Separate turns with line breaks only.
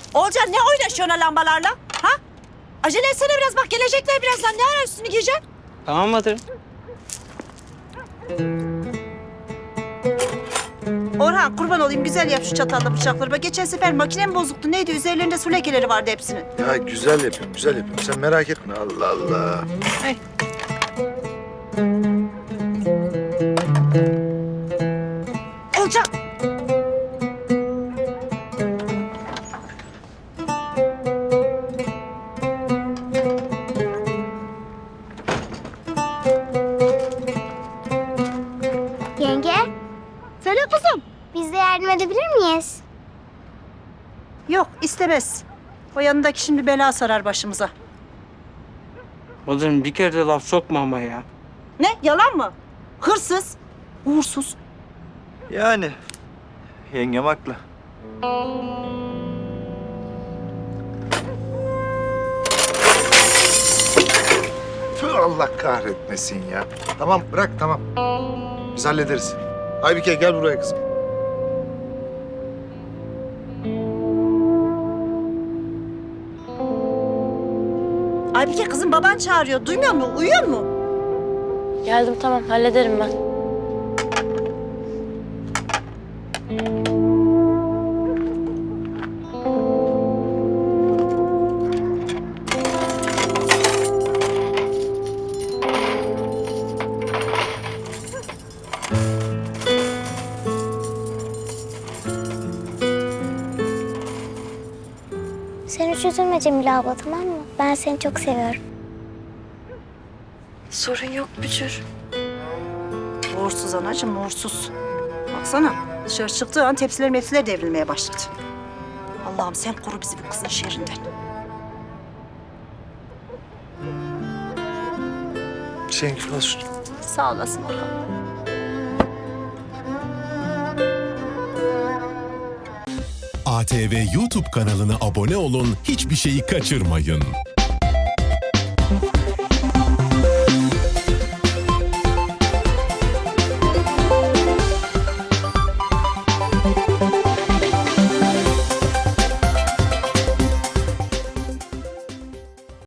Olcan ne oynaşıyorsun lambalarla? Ha? Acele etsene biraz bak gelecekler birazdan. Ne ara üstünü giyeceksin?
Tamam Madırım.
Orhan kurban olayım güzel yap şu çatalla bıçakları. Bak geçen sefer makinem bozuktu. Neydi? Üzerlerinde su lekeleri vardı hepsinin.
Ya güzel yapıyorum, güzel yapıyorum. Sen merak etme. Allah Allah.
Ay. Olcan.
Yenge,
Söyle kızım.
biz de yardım edebilir miyiz?
Yok istemez. O yanındaki şimdi bela sarar başımıza.
Madırım bir kere de laf sokma ama ya.
Ne? Yalan mı? Hırsız. Uğursuz.
Yani yengem haklı. Tüh, Allah kahretmesin ya. Tamam bırak tamam. Biz hallederiz. Aybike gel buraya kızım.
Aybike kızım baban çağırıyor. Duymuyor musun? Uyuyor mu?
Geldim tamam hallederim ben.
Sen hiç üzülme Cemile abla, tamam mı? Ben seni çok seviyorum.
Sorun yok Bücür.
Uğursuz anacığım, uğursuz. Baksana, dışarı çıktığı an tepsiler devrilmeye başladı. Allah'ım sen koru bizi bu kızın şerrinden.
Şengül olsun.
Sağ olasın Orhan.
ATV YouTube kanalına abone olun, hiçbir şeyi kaçırmayın.